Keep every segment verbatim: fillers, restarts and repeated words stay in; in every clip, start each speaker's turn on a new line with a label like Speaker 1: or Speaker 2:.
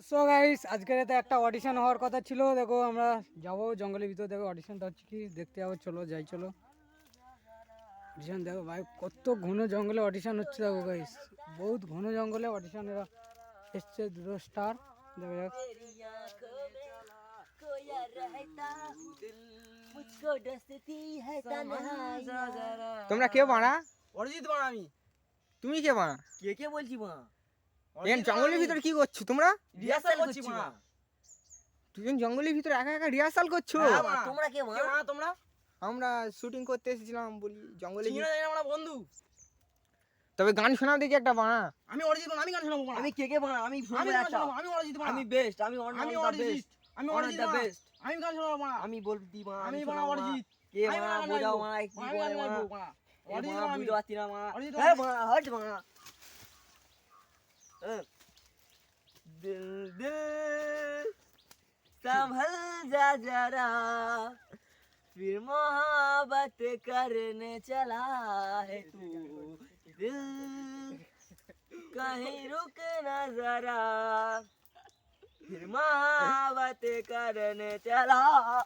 Speaker 1: So guys আজকের এতে একটা অডিশন হওয়ার কথা ছিল। দেখো আমরা যাবো জঙ্গলের ভিতর, দেখো অডিশনটা হচ্ছে কি দেখতে যাবো। চলো যাই, চলো অডিশন দেখো ভাই, কত ঘন জঙ্গলে অডিশন হচ্ছে। দেখো গাইস বহুত ঘন জঙ্গলে অডিশন এসছে দুটো স্টার। দেখো যাক
Speaker 2: তোমরা কে বানা?
Speaker 3: অরিজিৎ বানা। আমি
Speaker 2: তুমি কে বানা?
Speaker 3: কে কে বলছি মা?
Speaker 2: এখানে জঙ্গলের ভিতরে কি করছো তোমরা?
Speaker 3: রিহার্সাল করছি মা।
Speaker 2: দুজন জঙ্গলের ভিতরে একা একা রিহার্সাল করছো?
Speaker 3: হ্যাঁ মা। তোমরা কে মা? কে মা তোমরা?
Speaker 2: আমরা শুটিং করতে এসেছিলাম, বলি জঙ্গলে
Speaker 3: চিনো না আমরা বন্ধু।
Speaker 2: তবে গান শোনাও দেখি একটা বানা।
Speaker 3: আমি অরিজিৎ বানা। আমি গান শোনাবো বানা। আমি কে কে বানা? আমি আমি গান শোনাবো। আমি অরিজিৎ বানা। আমি বেস্ট। আমি
Speaker 4: আমি
Speaker 3: অরিজিৎ। আমি অরিজিৎ দা বেস্ট। আমি গান শোনাবো বানা। আমি বলতি বানা। আমি বানা অরিজিৎ। কে বানা বোঝাও বানা, কি বলে বানা? অরিজিৎ বানা বুঝতে পারছি না বানা। হ্যাঁ বানা, হট বানা। दिल दिल संभल जा जरा, फिर मोहब्बत करने चला है तू। दिल कहीं रुक न जरा, फिर मोहब्बत करने चला।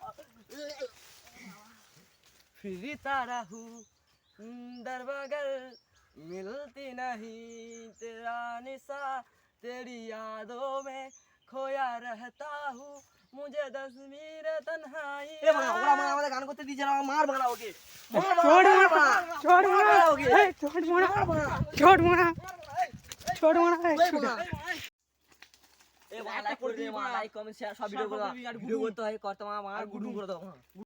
Speaker 3: फिर तारा हूँ दर बगल, मिलती नहीं तेरा निशा, तेरी यादों में खोया रहता हूँ, मुझे तस्वीर तन्हाई। ए बना ओरा बना, আমাদের গান করতে দিছ না, মার বানা ওকে।
Speaker 1: छोड़ मारा, छोड़ मारा, ए छोड़ मारा, छोड़ मारा, छोड़ मारा।
Speaker 3: এ বানা লাইক করে দে, মা লাইক কমেন্ট শেয়ার সব ভিডিও করে দাও। ভিডিও করতে হয় করতে মা মার গুডুম করে দাও।